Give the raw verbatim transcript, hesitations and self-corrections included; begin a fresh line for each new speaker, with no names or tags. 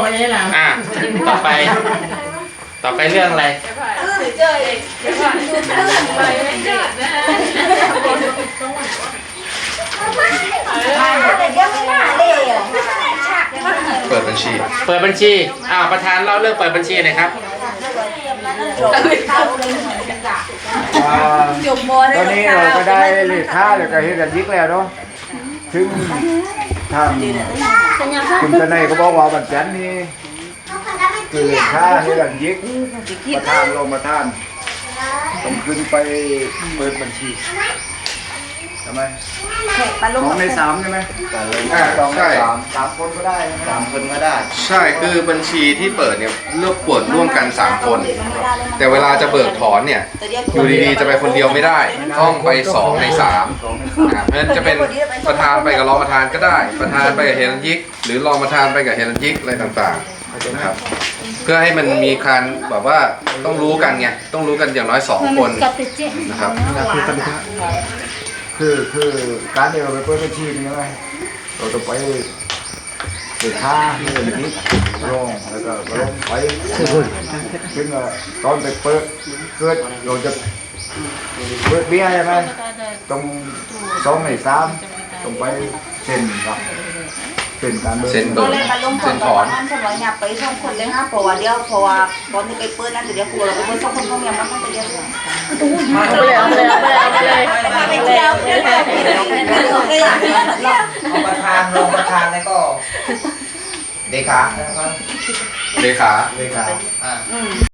ไม่ใช่หรอ
อ่ะต่อไป ต่อไปเรื่องอะไร
เจอเองดูเรื่องอะไรไม่เจอนะแต่ยังไม่น่าเลยอ่ะ
เปิดบัญชี
เปิดบัญชีอ้าวประธานเล่าเรื่องเปิดบัญชีหน่อยครับ
จบม
ตอนนี้เราก็ได้เลขาแล้วก็เฮ็ดกันยิกแล้วเนาะถึงทางคุณตะไนก็บอกว่าวันจันทร์นี้คือเลขาเฮ็ดกันยิกประธานรองประธานต้องขึ้นไปเปิดบัญชีทำไมสองในสามใช่ไหม
อ่า
สองใน
ใช่
สามสามคนก็ได้สามคนก็ได้
ใช่คือบัญชีที่เปิดเนี่ยเลือกเปิดร่วมกันสามคน แต่เวลาจะเบิกถอนเนี่ยอยู่ดีๆจะไปคนเดียวไม่ได้ต้องไปสองในสามอ่าเพราะฉะนั้นจะเป็นประธานไปกับรองประธานก็ได้ ประธานไปกับเฮลันยิก หรือรองประธานไปกับเฮลันยิกอะไรต่างๆนะครับเพื่อให้มันมีการแบบว่าต้องรู้กันไงต้องรู้กันอย่างน้อยสองคนนะครับ
คือคือการที่เราไปเปิดบัญชีนี่ไงเราต้องไปเลขาเฮ็ดกันยิกรองแล้วก็ลงไปถึงตอนไปเปิดเกิดเราจะเปิดเบี้ยใช่ไหมต้องสองในสามต้องไปเซ็นครับเซ็นการเบิก
เซ็นเบิ
ก็
ก
เลยมาลงทุนตอนนั้นฉันว่าอยากไปส่งคนเลยฮะเพราะว่าเดี๋ยวเพราะว่าตอนนี้ไปเปิดนั่นเดี๋ยวครูเราไปเปิดส่งคนพวกนี้มันต้องไปเรียน
เอาไปเลยเอาไปเลยเอาไปเลยเอาไปเลย
ไปเที่ยวเที่ยวเที่ยวเที่ยวเที่ยว
เอาประธานรองประธานแล้วก็เลขา
เลขา
เลขา
อ่า